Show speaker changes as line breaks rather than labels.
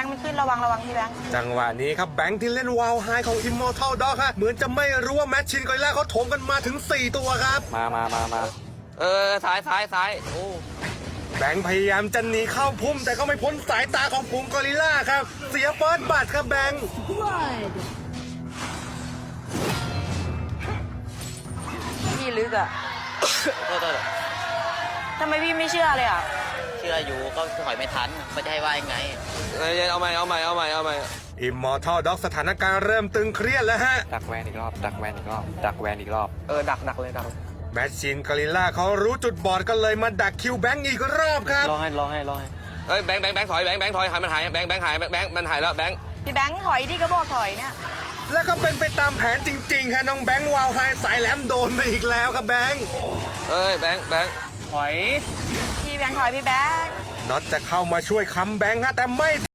ค์มันขึ้นระวังพี่แบงค์
จังหวะนี้ครับแบงค์ที่เล่นวาวไฮของ Immortal Dog ฮะเหมือนจะไม่รู้ว่าแมชชินกอริลล่าเขาโถมกันมาถึง4ตัวครับ
มาซ้ายโอ้
แบงค์พยายามจะหนีเข้าพุ่มแต่ก็ไม่พ้นสายตาของฝูงกอริลล่าครับเสียเฟิร์สบัตรครับแบงค์
พี่ลึกอ่ะ
โทษ
ทำไมพี่ไม่เชื่อเลยอ่ะ
เชื่ออยู่ก็ถอยไม่ทันไม่จะให้ว่ายังไงเอาใหม่
Immortal Dog สถานการณ์เริ่มตึงเครียดแล้วฮะ
ดักแวนอีกรอบดักแวนอีกรอบดักแวนอีกรอบ
ดักเลย
แมชชินกอริลล่าเขารู้จุดบอดก็เลยมาดักคิวแบงค์อีกรอบครับ
รอให้
เฮ้ยแบงค์ถอยแบงค์ถอยมันหายแบงค์หายแบงค์มันหายแล้วแบงค์
พี่แบงค์ถอยที่ก็บอกถอยเนี่ย
แล้วก็เป็นไปตามแผนจริงๆค่ะน้องแบงค์วาวไฮสายแหลมโดนไปอีกแล้วครับแบงค์
เอ้ยแบงค์
ถอย
พี่แบงค์ถอยพี่แบงค์
น็อตจะเข้ามาช่วยค้ำแบงค์ฮะแต่ไม่